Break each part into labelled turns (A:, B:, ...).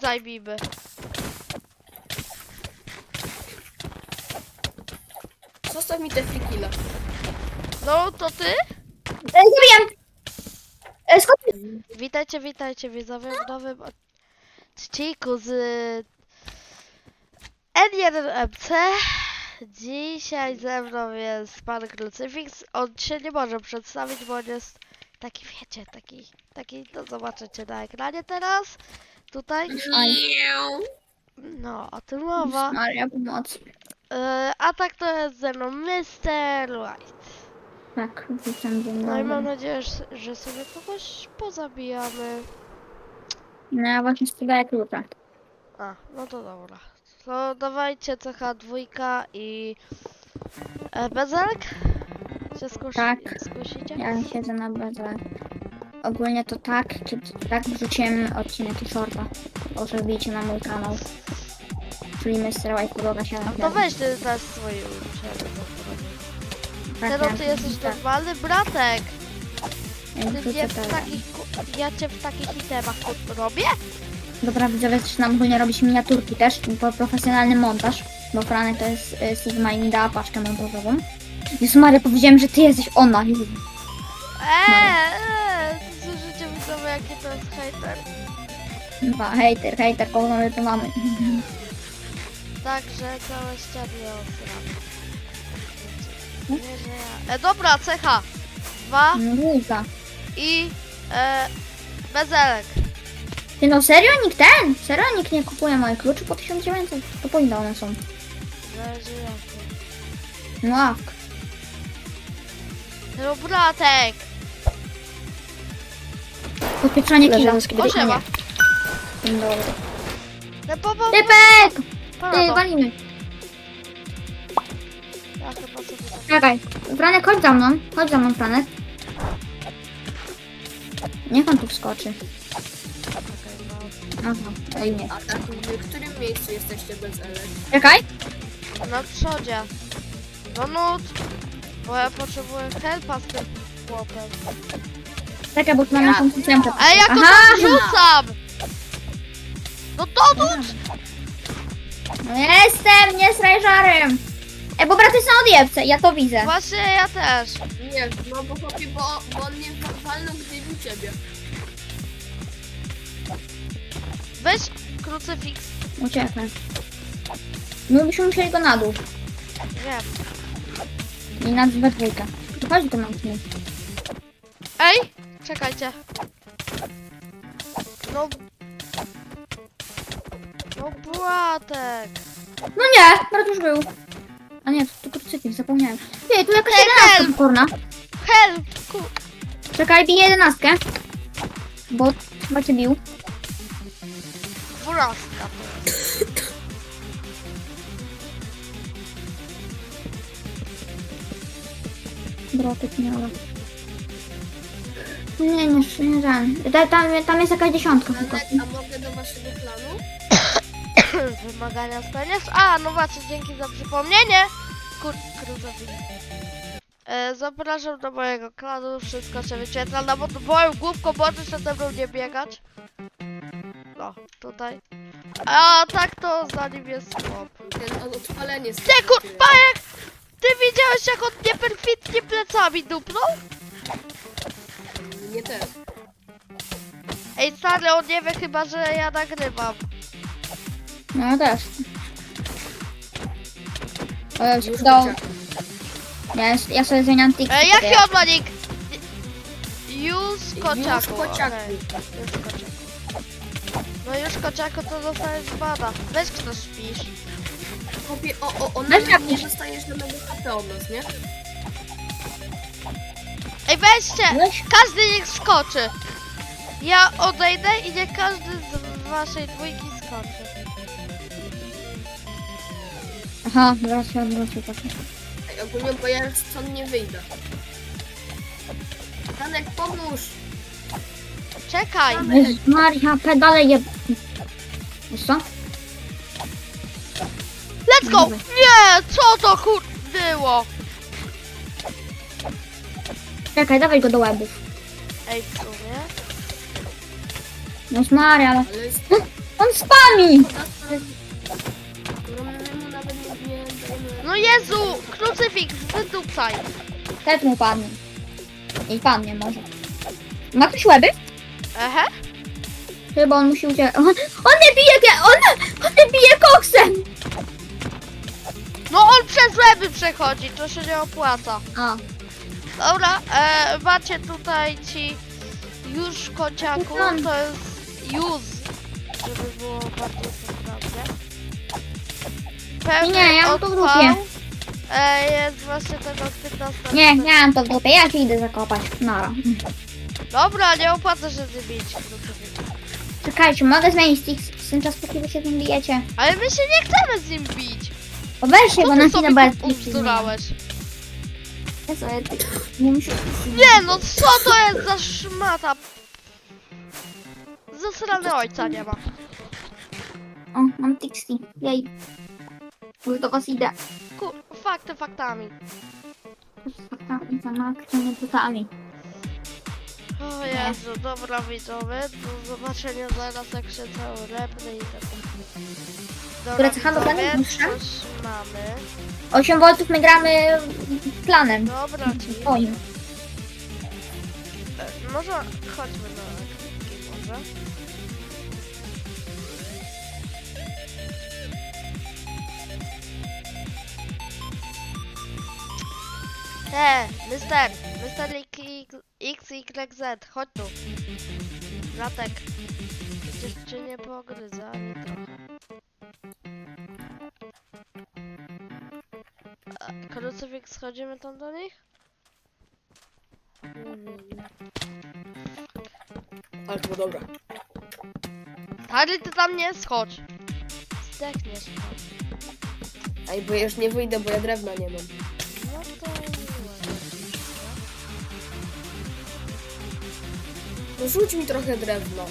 A: zajmijmy.
B: Zostaw mi te frikile.
A: No, to ty?
C: Zabijam! Skąd?
A: Witajcie widzowie w nowym odcinku z N1MC. Dzisiaj ze mną jest pan Krucyfix. On się nie może przedstawić, bo on jest taki, wiecie, taki, no zobaczycie na ekranie teraz. Tutaj. No, o tym mowa.
C: Maria, pomoc.
A: A tak to jest ze mną Mr. White.
C: Tak, witam, dzień
A: No i mam
C: dobry.
A: nadzieję, że sobie kogoś pozabijamy.
C: No ja właśnie sprzedaję klucze.
A: A, no to dobra. To dawajcie CH2 i bezelek? Się
C: Tak.
A: skusicie?
C: Ja siedzę na bazę. Ogólnie to tak, tak wrzuciłem odcinek i shorta. Proszę wbijcie na mój kanał. Czyli Mr. White Podłoga 7.
A: No to weź ty też swoje uczenie. Teraz ty jesteś
C: tak.
A: normalny bratek.
C: Ja
A: Ty
C: wrzucę
A: mnie w
C: teraz.
A: ja cię w takich itemach robię?
C: Dobra, widzowie, zaczynam ogólnie robić miniaturki też, profesjonalny montaż, bo Franek to jest Sigma i mi dała paczkę montażową. Jezu Maria, powiedziałem, że ty jesteś ona.
A: Słyszycie widzowie, jaki to jest hejter?
C: Chyba, hejter, kogo my tu mamy.
A: Także całe ściany osram. Nie, że ja... dobra, cecha. 2
C: Luza.
A: i bezelek.
C: Ty no serio nikt nie kupuje moich kluczy po 1900? To po ile one są?
A: Zależy jakie.
C: No awk.
A: No bratek.
C: Podpieczanie killa.
A: O, siema.
C: Dzień dobry.
A: No
C: Typek! Ty,
A: Pana
C: walimy.
A: Ja chyba sobie tak...
C: Czekaj. Franek, chodź za mną, Franek. Niech on tu wskoczy. Aha, ej nie.
B: A tak, w którym miejscu jesteście bez elek?
C: Czekaj.
A: Na przodzie. No nut. Bo ja potrzebuję helpa z tym chłopem.
C: Czekaj, bo tu mam jakąś ósemkę.
A: Ej, jak to tam rzucam! No to nut!
C: No jestem, nie strajżarem. Ej, bo braty są odjebce, ja to widzę.
A: Właśnie ja też.
B: Nie, no bo chłopie, bo on mnie walnął, gdy bił ciebie.
A: Weź krucyfiks.
C: Uciekłem. My byśmy musieli go na dół.
A: Wiem.
C: I na we dwójkę. Chodź do nas.
A: Ej! Czekajcie. No... No bratek.
C: No nie, brat już był. A nie, to krucyfiks, zapomniałem. Ty, tu jakaś
A: Ej,
C: 11
A: help!
C: pokorna.
A: Help!
C: Czekaj, bije 11. Bo chyba cię bił.
A: 12.
C: Brotek miała. Nie żal. Tam jest jakaś dziesiątka. tylko.
B: Elek, a mogę do waszego planu?
A: Wymagania spełniasz? A, no właśnie, dzięki za przypomnienie. Krucyfiks. Zapraszam do mojego klanu, wszystko się wyświetla na moją główką, możesz przede mną nie biegać. No, tutaj. A tak to za nim jest chłop.
B: Ten odpalenie
A: Ty kurpajek! Ty widziałeś jak on mnie perfidnie plecami dupnął?
B: Nie też.
A: Ej stary, on nie wie chyba, że ja nagrywam.
C: No ja też. O,
B: Już
C: do...
B: widzę.
C: Ja sobie zmieniam tik.
A: Jaki on ma nick? Już kociaku.
B: Kociaku.
A: Okej, już kociaku. No już kociaku to dostajesz bada. Weź kto śpisz.
B: Chłopie,
C: Weź
B: nawet
C: tak.
B: nie dostajesz żadnego HP od nas, nie?
A: Ej weźcie!
C: Weź.
A: Każdy niech skoczy. Ja odejdę i niech każdy z waszej dwójki skoczy.
C: Aha, zaraz się odwrócił tak.
B: Ej, ogólnie, bo ja stąd nie wyjdę. Franek, pomóż!
A: Czekaj!
C: Jezus Maria, pedale je... Wiesz co?
A: Let's go! Nie! Co to było?
C: Czekaj, dawaj go do łebów.
A: Ej, w sumie.
C: Jezus Maria, ale...
B: Ale jest...
C: On spami!
B: No, my mu nawet nie dajemy.
A: No Jezu! Krucyfiks, wydupcaj!
C: Też mu padnie. I padnie może. Ma ktoś łeby?
A: Ehe?
C: Chyba on musi uciekać. On nie bije, on nie bije koksem!
A: No on przez łeby przechodzi, to się nie opłaca.
C: A,
A: Dobra, macie tutaj ci już kociaku, to jest już, żeby było bardziej poprawnie. Pewnie
C: Nie, ja mam to w
A: odpał.
C: dupie.
A: Jest właśnie tego 15.
C: nie, nie mam to w dupie, ja ci idę zakopać. Nara.
A: Dobra, nie opłaca się zbić krucyfiksa.
C: Czekajcie, mogę zmienić ten czas, póki wy się z nim bijecie.
A: Ale my się nie chcemy z nim bić.
C: O, weź się,
A: Co
C: bo
A: ty
C: na
A: sobie
C: chwilę bez
A: ubzdurałeś?
C: Ja sobie nie muszę...
A: Nie no, co to jest za szmata? Zasrany ojca nie ma.
C: O, mam Tixi. Jej. Już do was idę.
A: Fakty faktami.
C: Faktami, zamaktymi butami.
A: O Jezu, dobra widzowie, do zobaczenia zaraz jak się cały lepny i tak. Dobra
C: Które cecha do
A: widzowie,
C: planu muszę?
A: coś mamy.
C: 8 voltów my gramy planem.
A: Dobra ci.
C: Twoim.
A: Może chodźmy na klikki może. Mister XYZ, chodź tu. Latek. Przecież cię nie pogryza, ani trochę. Krucyfiks, schodzimy tam do nich?
B: Ale to było dobre.
A: Harry, ty tam nie schodź. Zdechniesz tam.
B: Ej, bo ja już nie wyjdę, bo ja drewna nie mam.
A: No to miłe.
B: No rzuć mi trochę drewna.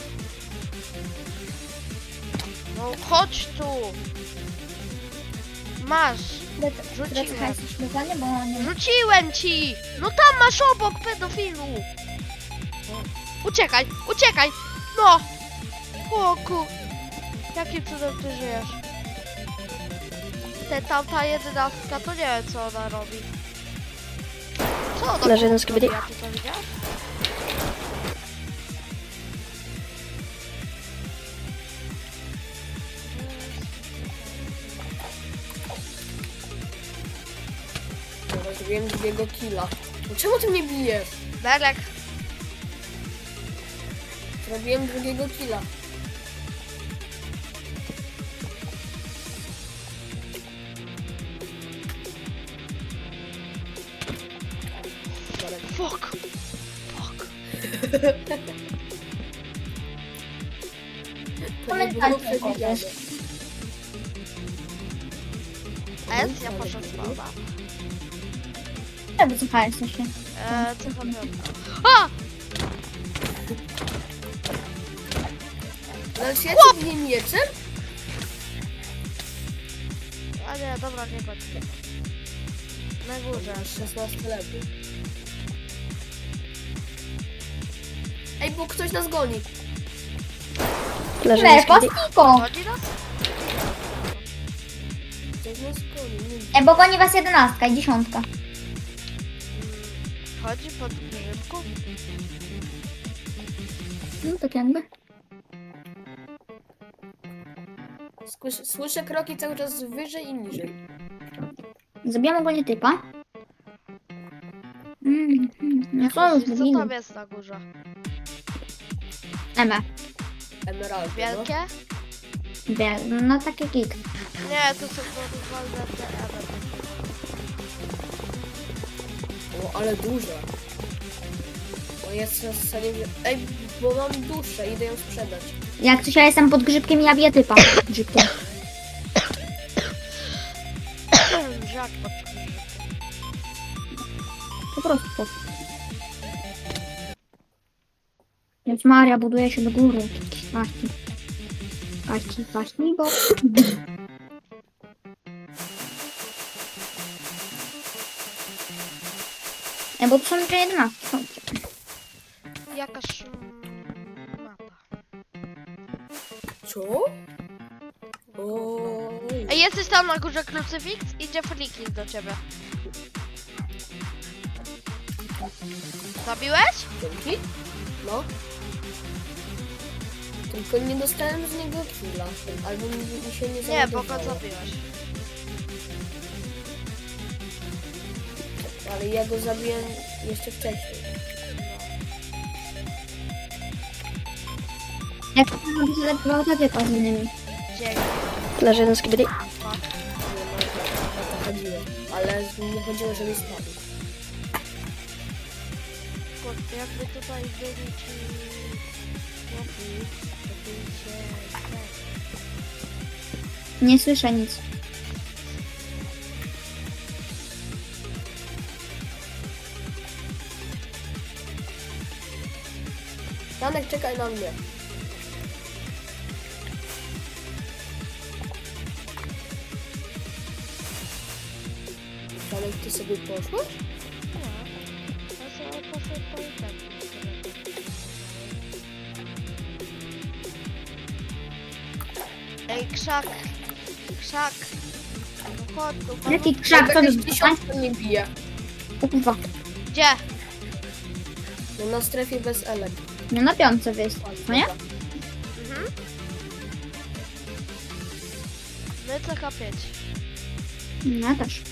A: No chodź tu. Masz.
C: Które cecha jesteś plany, bo nie...
A: Rzuciłem ci. No tam masz obok, pedofilu. Uciekaj, uciekaj. No. O kur... Jakim cudem ty żyjesz? Tamta 11 to nie wiem co ona robi. Co ona
D: Leży
A: robi?
D: na skibidi.
A: A ty to widziałeś?
B: Dobra, zrobiłem drugiego killa. No czemu ty mnie bijesz?
A: Berek.
B: Zrobiłem drugiego killa.
A: Fuck.
B: To nie było
C: Pamiętajcie,
B: przewidziane.
A: S, ja poszedł spała.
C: Czemu cecha jesteście?
A: Co tam A!
B: Ale czy ja cię biję mieczem?
A: A nie, dobra, nie chodź. Na górze.
B: 16 lepiej. Ej, bo ktoś nas goni.
D: Leży na
C: Nie,
D: skibidi.
C: pastiko!
A: Chodzi nas?
B: Ktoś nas goni.
C: Bo goni was 11 i 10.
A: Chodzi pod grzybku?
C: No tak jakby.
B: Słyszę kroki cały czas wyżej i niżej.
C: Zabijam ogólnie typa. No co już
A: Co
C: zrobili?
A: tam jest na górze?
C: Eme.
B: Emeraldy, no.
A: Wielkie?
C: No takie gig.
A: Nie, to są normalne te emery.
B: O, ale duże. O, jest na scenie... Ej, bo mam duszę, idę ją sprzedać.
C: Jak coś ja jestem pod grzybkiem i ja biję typa. Grzybkiem.
A: Żak pod grzybkiem.
C: Po prostu. Więc Maria buduje się do góry. Właśnie, bo... Bo to są jeszcze 11.
A: Jakaż mapa.
B: Co? Oj.
A: Ej, jesteś tam na górze, krucyfiks? Idzie freaking do ciebie. Zabiłeś?
B: Dzięki? No. Tylko nie dostałem z niego killa. Albo mi się nie
A: Nie, bo go
B: załadowało.
A: zabiłeś.
B: Ale ja go zabiłem jeszcze wcześniej.
C: Jak to robi zalegwał takie z innymi.
A: Dzięki.
C: Leży jeden z kibidi.
B: Nie ma, o to chodziło. Ale nie chodziło, żeby spadł.
A: Kurde, jakby tutaj byli ci chłopi, to by się...
C: Nie słyszę nic.
B: Janek, czekaj na mnie. Janek, ty sobie poszłeś?
A: Ja sobie poszedł po internet. Ej, krzak! Krzak! No chodź tu, pan...
C: Jaki krzak, co
B: Jakaś
C: to
B: tysiączka mnie bije.
C: O kurwa.
A: Gdzie?
B: No na strefie bez elek.
C: Nie na piątce jest, no nie?
A: Mhm. My CH5.
C: Ja też.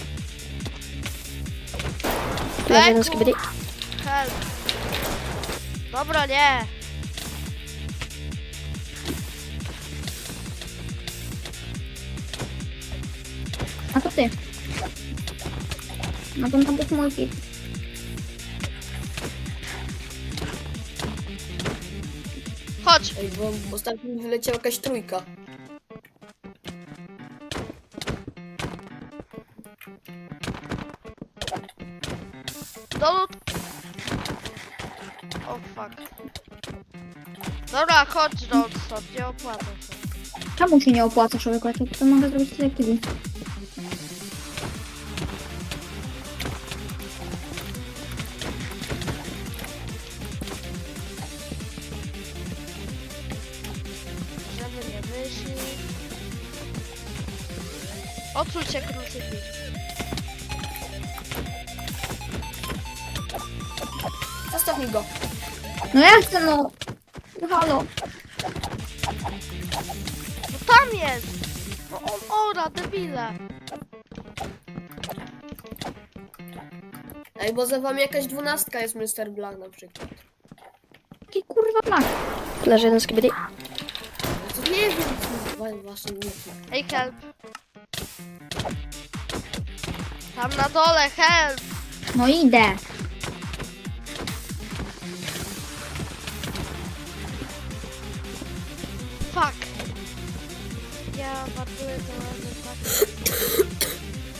A: Leży jeden z kibidi. Help. Dobra, nie.
C: A to ty. No to tam jest mój hit.
A: Chodź.
B: Ej, bo ostatnio mi wyleciała jakaś trójka.
A: Dolut. O fuck. Dobra, chodź do stąd, nie opłacę się.
C: Czemu się nie opłaca, człowieku? Ja to mogę zrobić tyle kili.
A: Żeby nie wyszli. Odsuń się, krucyfiks.
B: Zostaw mi go.
C: No ja chcę, no. No halo.
A: No tam jest! No on ora, debile.
B: Ej, bo za wami jakaś 12 jest Mr. Black na przykład.
C: Jaki kurwa blak. Leży jeden z kibidi.
B: Ja to nie wiem, właśnie nie wiem.
A: Ej, help. Tam na dole, help!
C: No idę.
A: Fuck. Ja wartuję to razem tak.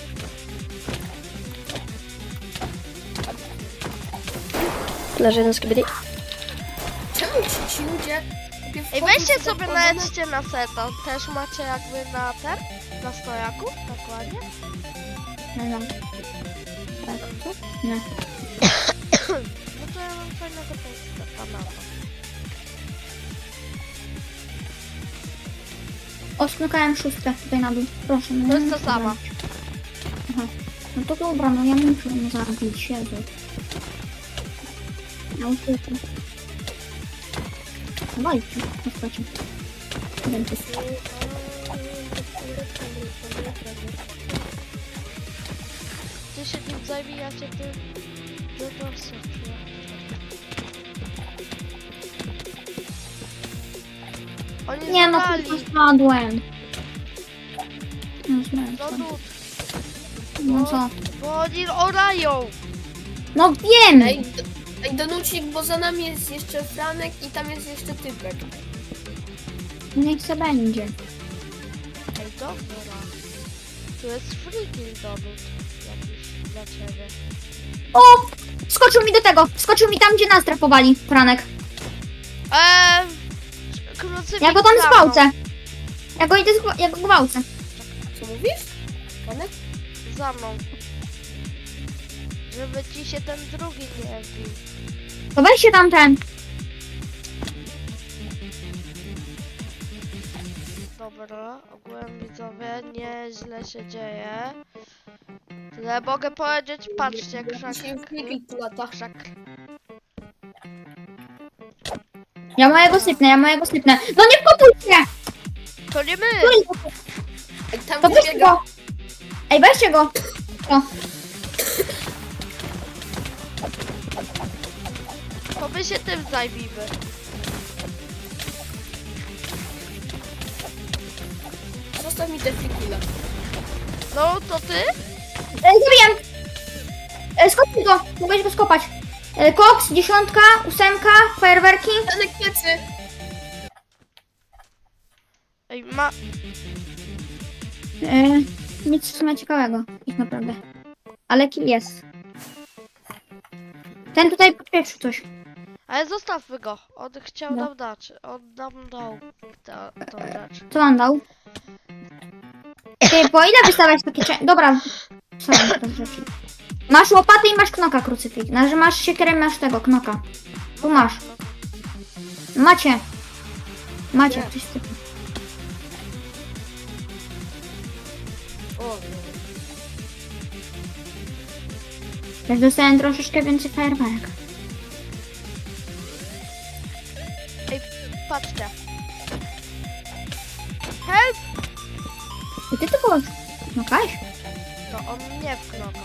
C: Leży jeden z kibidi.
B: Czemu ci ludzie...
A: Ej,
B: wchodzą
A: weźcie
B: do
A: sobie
B: podane-
A: najedźcie na seta. Też macie jakby na ten? Na stojaku? Dokładnie.
C: Nie wiem. Tak, co? Nie.
A: No to ja mam fajnego teksta na to.
C: Osmykałem szóstkę tutaj na dół. Proszę. No,
A: To jest
C: nie
A: to samo.
C: Aha. No to dobra, no ja muszę ją zabić, Jezu. Ja uciekam. Walcie, chodźcie. Jeden tu.
A: Ty się tym zajmij, ja cię tym... Oni
C: Nie no,
A: zabrali.
C: kurwa spadłem. No,
A: No
C: spadłem.
A: tu,
C: No co?
A: bo oni orają.
C: No wiem!
B: Ej, Donucik, bo za nami jest jeszcze Franek i tam jest jeszcze typek.
C: Niech se będzie.
A: Ej, dobra. Tu jest freaking dowód jakiś dla ciebie.
C: O! Skoczył mi do tego! Skoczył mi tam, gdzie nas trafowali, Franek.
A: Krucyfiks
C: Ja go tam
A: za mną.
C: zgwałcę. Ja go gwałcę.
B: Co mówisz? Franek?
A: Za mną. Żeby ci się ten drugi nie wbił.
C: To weź się tamten.
A: Dobra, ogółem widzowie, nieźle się dzieje. Tyle mogę powiedzieć, patrzcie, krzak,
B: Dzisiaj już nikt tu lata.
A: krzak.
C: Ja mojego sypnę. No nie wkopujcie!
A: To nie my!
B: Ej, tam
C: To
B: gdzie
C: weźcie
B: biega.
C: go! Ej, weźcie go! O,
A: To my się tym zajmijmy.
B: Zostaw mi te frikile.
A: No, to ty?
C: zabiję! Skopnij go! Mogłeś go skopać. Koks, 10, 8, fajerwerki.
B: Janek plecy.
A: Ej,
C: Nic w sumie ciekawego, tak naprawdę. Ale kill jest. Ten tutaj podpieprzył coś.
A: ale zostawmy go. On chciał
C: No.
A: nam dać. On nam dał tą rzecz.
C: Co on dał? Ty, po ile wystawiać takie Dobra. Co mam teraz rzeczy? Masz łopatę i masz knoka krucyfik. Znaczy masz siekierę i masz tego knoka. Tu masz. Macie. Macie,
B: Nie.
C: coś typu.
B: O, no.
C: Też dostałem troszeczkę więcej fajerwerek.
A: Ej, patrzcie. Help!
C: I ty to było knokałeś?
A: To on mnie wknokał.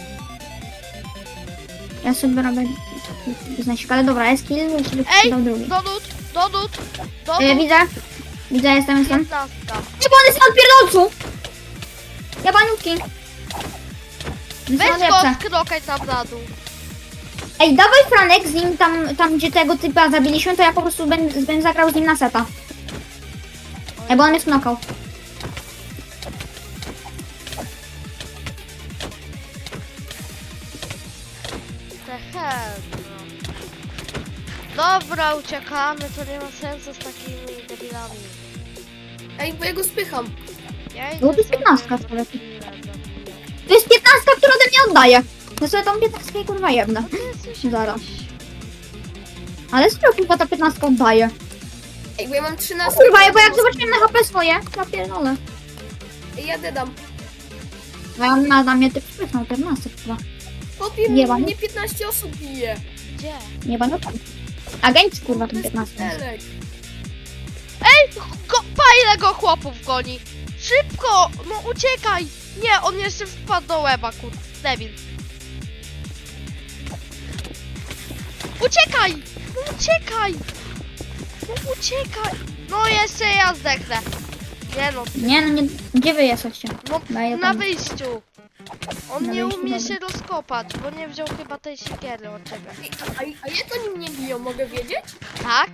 C: Ja sobie robię znaczek, ale dobra, jest kill, jeszcze by
A: Ej,
C: dał drugi.
A: Donut!
C: Widzę, jestem.
A: 15.
C: Nie, bo on jest na odpierdolcu! Ja baniutki.
A: Weź go, sknokaj tam na dół.
C: Ej, dawaj Franek z nim tam gdzie tego typa zabiliśmy, to ja po prostu będę zagrał z nim na seta. Ej, bo on mnie knokał.
A: The hell, no. Dobra, uciekamy, to nie ma sensu z takimi debilami.
B: Ej, bo ja go spycham.
A: Ja
C: No to jest
A: sobie
C: 15
A: na
C: akurat.
A: chwilę zabiję.
C: To jest 15, która ode mnie oddaje. Ja sobie tą 15 kurwa jedna.
A: Ty jesteś
C: Zaraz.
A: jakiś-
C: Ale z kurwa ta 15 oddaje.
B: Ej, bo ja mam 13.
C: Kurwa, bo jak zobaczyłem na HP swoje, ja pierdolę.
B: Ej, ja dedam.
C: Na mnie typ spychnął 14 chyba.
B: Chłopie,
C: Nie ma, nie?
B: mnie 15 osób bije.
A: Gdzie?
C: Nie będę tam. Agent kurwa
B: To
C: ten
B: jest
C: 15.
B: Elek.
A: Ej, pa ile go chłopów goni. Szybko, no uciekaj. Nie, on jeszcze wpadł do łeba, debil. Uciekaj, no uciekaj. No uciekaj. No jeszcze ja zdechnę. Nie no,
C: Nie no, nie, gdzie wy jesteście?
A: no
C: Daję
A: na
C: tam.
A: wyjściu. On
C: Na
A: nie
C: wyjściu,
A: umie
C: dobra.
A: się rozkopać, bo nie wziął chyba tej siekiery od ciebie.
B: Ej, a jak oni mnie biją, mogę wiedzieć?
A: Tak?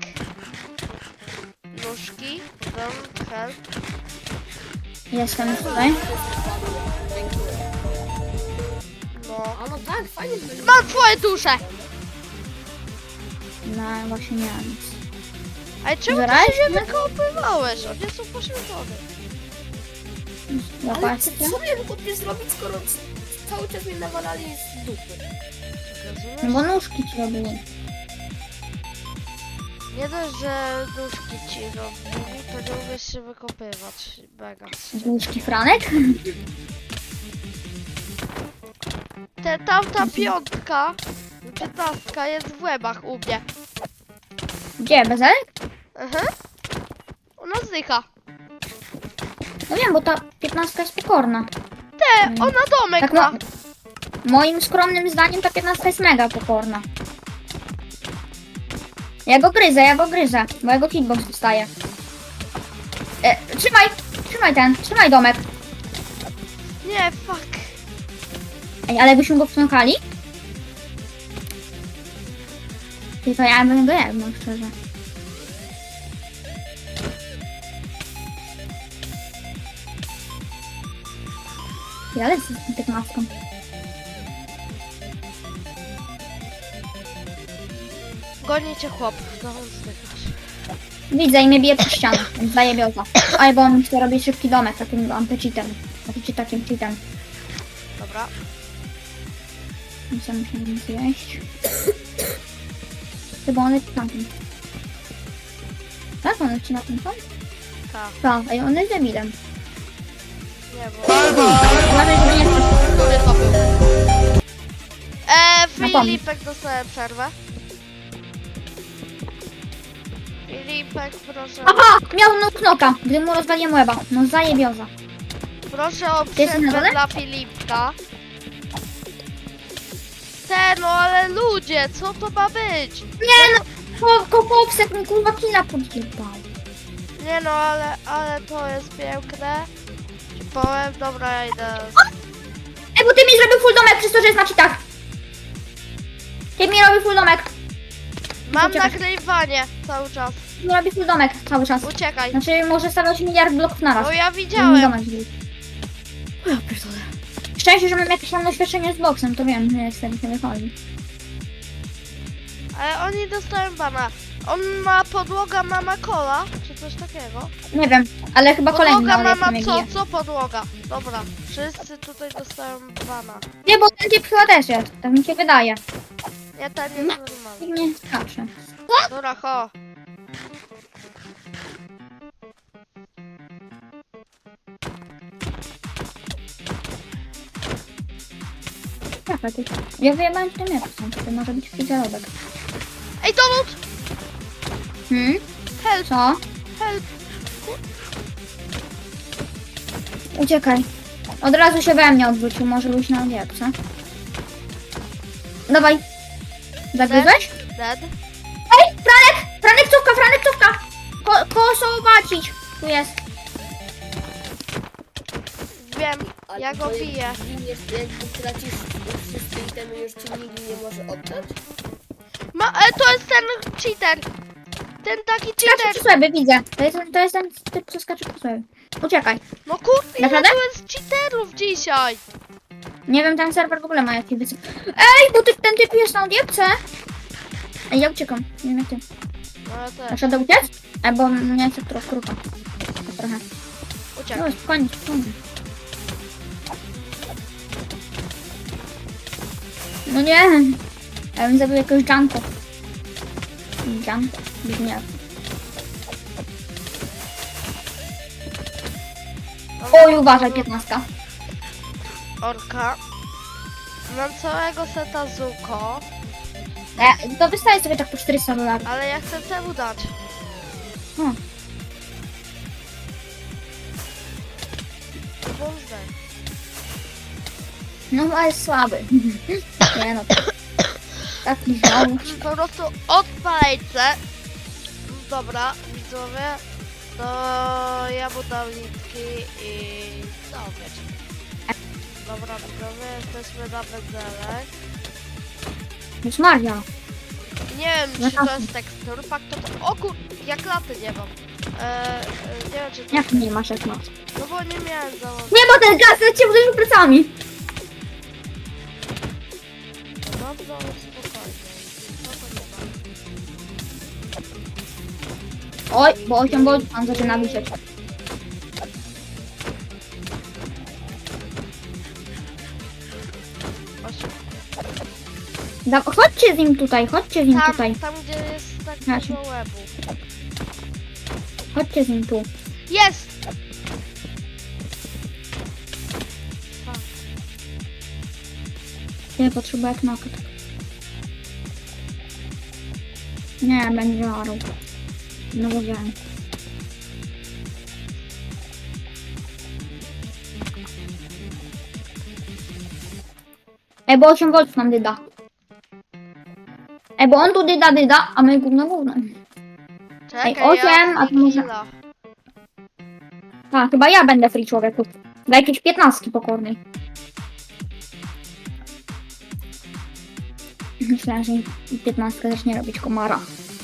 A: Nóżki, don't help.
C: Jestem już tutaj.
B: Dziękuję.
A: No.
B: A no tak, fajnie to jest.
A: Mam twoje dusze!
C: No właśnie nie mam nic.
A: Ale czemu
C: Zaraz?
A: ty się nie wykopywałeś? One są poświęcone.
B: Ale
C: Zobaczcie.
B: co miałem chłopie zrobić, skoro cały czas mnie nawalali z dupy?
A: Rozumiesz?
C: No bo nóżki ci robili.
A: Nie dość, że nóżki ci robili, to nie umiesz się wykopywać. Mega.
C: Nóżki Franek?
A: Tamta piątka, 15 jest w łebach u mnie.
C: Gdzie, Bezelek?
A: Aha. Ona zdycha.
C: No wiem, bo ta 15 jest pokorna.
A: Ona domek
C: Tak
A: ma.
C: no, moim skromnym zdaniem ta 15 jest mega pokorna. Ja go gryzę, bo jego hitbox dostaje. Trzymaj domek.
A: Nie, fuck.
C: Ej, ale byśmy go wciąkali? Tylko ja bym go jadł, szczerze. Ja lecę z tą 15.
A: Goni cię chłop. No, zdychasz.
C: Widzę i mnie bije przez ścianę, więc zajebiota. Oj, bo on chce robić szybki domek takim antycheatem. Takim cheatem.
A: Dobra.
C: Więc ja muszę nic zjeść. Chyba on leci na tym. Tak, on leci na tym, tak?
A: Ha,
C: Co? Ej, on jest debilem.
A: nie bo...
C: Uważaj, żeby nie wpaść.
A: Który to był?
C: No pomyśl.
A: Filipek dostaje przerwę. Filipek, proszę.
C: Aha! Miał no knoka, gdy mu rozwaliłem łeba. No zajebioza.
A: Proszę o
C: Ty jesteś na
A: przerwę
C: dole?
A: dla Filipka. No ale ludzie, co to ma być?
C: Nie no! Kopowsek mi kurwa killa podjebał.
A: Nie no, ale to jest piękne. Ci powiem, dobra, ja idę.
C: Ej, bo ty mi zrobił full domek przez to, że jest na cheatach. Ty mi robi full domek.
A: Mam
C: Uciekaj.
A: nagrywanie cały czas.
C: Mi robi full domek cały czas.
A: Uciekaj.
C: Znaczy może stawiać miliard bloków naraz.
A: No ja
C: Żeby mi
A: widziałem.
C: domek zrobił.
A: Ja pierdolę.
C: Szczęście, że mam jakieś tam doświadczenie z boksem, to wiem, że jestem nie wychodzi.
A: Ale oni dostają bana. On ma podłoga mama kola, czy coś takiego?
C: Nie wiem, ale chyba kolejny
A: Podłoga
C: na jak
A: mama
C: mnie
A: co?
C: bije.
A: Co podłoga? Dobra, wszyscy tutaj dostają bana.
C: Nie, bo ten typ chyba też jest, tak mi się wydaje.
A: Ja ten jest normalny.
C: I nie skacze.
A: Dobra, ho.
C: Jaka ty? Ja wyjebałem w tym miejscu, to może być fizelobek.
A: Ej, dowód! Help,
C: Co?
A: help.
C: Uciekaj. Od razu się we mnie odwrócił, może być na odjebce. Dawaj. Zagryzłeś?
A: Dead.
C: Ej, Franek! Franek cówka, Franek cówka! Koło zobaczyć. Tu jest.
A: Wiem,
B: Ale
A: ja go
B: to
A: biję.
B: jakby tracisz wszystkie itemy, już ci nikt nie może oddać?
A: To jest ten cheater. Ten taki
C: Skacze
A: cheater.
C: przy sobie, widzę. To jest ten typ, co skacze przy sobie. Uciekaj.
A: No kurde, ile
C: Naprawdę?
A: tu jest cheaterów dzisiaj?
C: Nie wiem, ten serwer w ogóle ma jakieś wysokie. Ej, bo ten typ jest na odjebce. Ej, ja uciekam. Nie wiem jak ty.
A: No ja też.
C: Dasz radę uciec? Bo mnie jest trochę krucho. Trochę.
A: Uciekaj.
C: No, spokojnie, spokojnie. No nie. Ja bym zabił jakiegoś Janko. Janko. Brzmiał. Oj, uważaj, 15.
A: Orka. Mam całego seta Zuko,
C: To wystaje sobie tak po 400 dolarów.
A: ale ja chcę temu dać.
C: Hmm.
A: Boże.
C: No, ale jest słaby. Nie no. Tak mi znowu.
A: Po prostu odpalejce. Dobra, widzowie. To ja mu dam litki i... No, wiecie. Dobra, widzowie, jesteśmy na benzelek.
C: Już Maria.
A: Nie wiem,
C: No
A: czy
C: tak.
A: to jest tekstur, fakt to... O kur... Jak laty nie mam. Nie wiem, czy to...
C: Jak nie masz jak masz?
A: No bo nie miałem założenia.
C: Nie, bo ten gaz cię uderzył plecami.
A: Dobrze, ale spokojnie. Spokojnie.
C: Oj, bo 8 volt pan zaczyna wisieć. Chodźcie z nim tutaj, chodźcie z nim tutaj.
A: Tam gdzie jest tak
C: Znaczy.
A: dużo łebu.
C: Chodźcie z nim tu.
A: Jest!
C: Nie potrzebuję knoka. Nie, będzie orał. No wiedziałem. Ej, bo 8 volt nam dyda. Ej, bo on tu dyda, a my gówno.
A: Czekaj,
C: osiem,
A: ja
C: a to może-
A: killa.
C: A, chyba ja będę free człowieku. Dla jakiejś 15 pokornej. Myślałem, że 15 zacznie robić komara.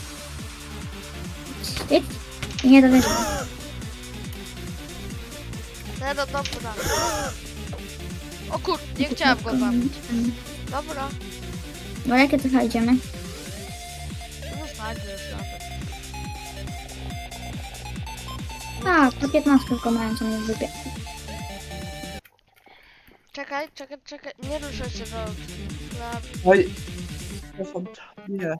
C: Wstyd? Nie dowierzam.
A: No dobra. O kur... nie chciałam go zabić. Dobra.
C: No jakie trochę idziemy?
A: Zostańmy już na tym.
C: Tak, to 15 tylko mają co mnie wypie.
A: Czekaj. Nie ruszaj się do...
D: Oj. Przepraszam. Nie.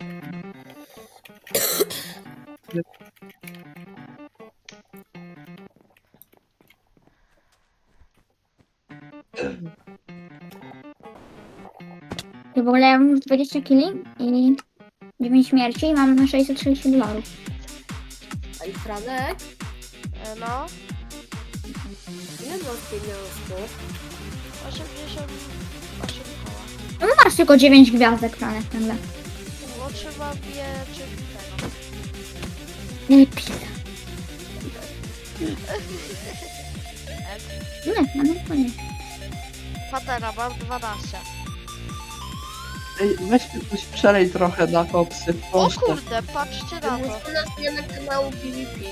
C: Ty w ogóle ja mam już 20 kili i 9 śmierci i mam $660.
B: Ej, Franek,
A: No,
B: ile masz pieniążków?
A: 88 koła.
C: No masz tylko 9 gwiazdek, Franek, nagle.
A: Bo trzeba wieczyć tego.
C: Lepiej. Nie, no nie.
A: Patera, mam 12.
D: Ej, weź ktoś przelej trochę na koksy,
A: O
D: proszę.
A: kurde, patrzcie na to.
B: Muszę na zmianę kanału PvP.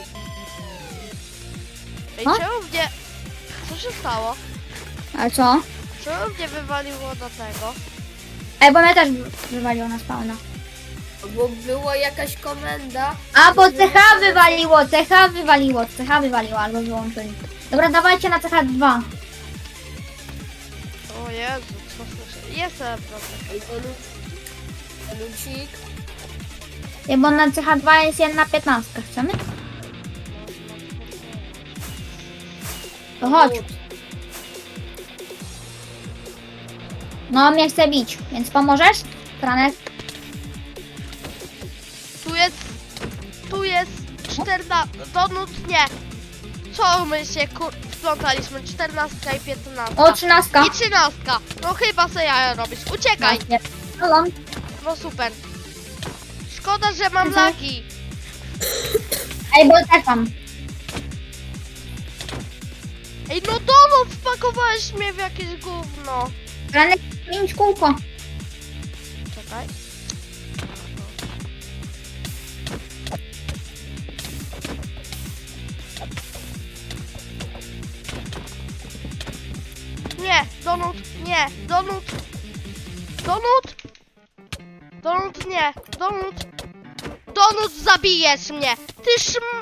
A: Ej,
C: O?
A: czemu mnie... Co się stało?
C: Ale co?
A: Czemu mnie wywaliło do tego?
C: Ej, bo mnie też wywaliło na spawna.
B: Bo była jakaś komenda.
C: A, bo CH wywaliło, albo wyłączyli. Dobra, dawajcie na CH2.
A: O Jezu, co słyszę? Jestem, proszę.
B: Ej, Lucik.
C: Ej, bo na CH2 jest 1/15, chcemy? To chodź. No, mnie chce bić, więc pomożesz? Franek?
A: Tu jest 14... Donut nie. Co my się splątaliśmy? 14 i 15.
C: O, 13.
A: I 13. No chyba se jaja robisz. Uciekaj.
C: Halo.
A: No super. Szkoda, że mam
C: Mhm.
A: lagi.
C: Ej, bo tak mam.
A: Ej, no donut wpakowałeś mnie w jakieś gówno.
C: Franek, 5 kółko.
A: Czekaj. Nie, donut, nie, donut. Donut. Donut, nie, donut. Donut, zabijesz mnie. Ty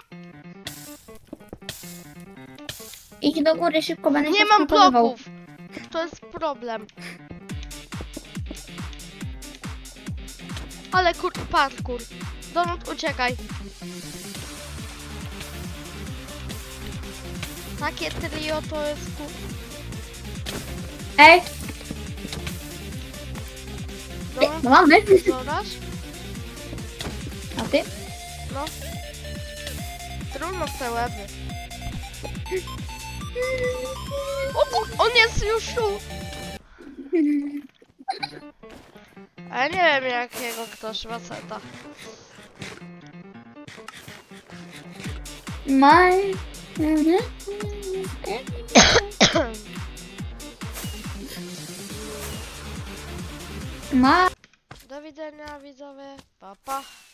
C: Idź do góry szybko, będę
A: Nie
C: cię
A: mam
C: skakowywał.
A: bloków. To jest problem. Ale parkour. Donut, uciekaj. Takie trio to jest
C: Ej,
A: Donut,
C: no mamy.
A: zobacz.
C: A ty?
A: No. Trudno w te łeby. On jest już tu. A ja nie wiem jakiego ktoś ma seta.
C: My... Ma...
A: Do widzenia widzowie. Pa pa.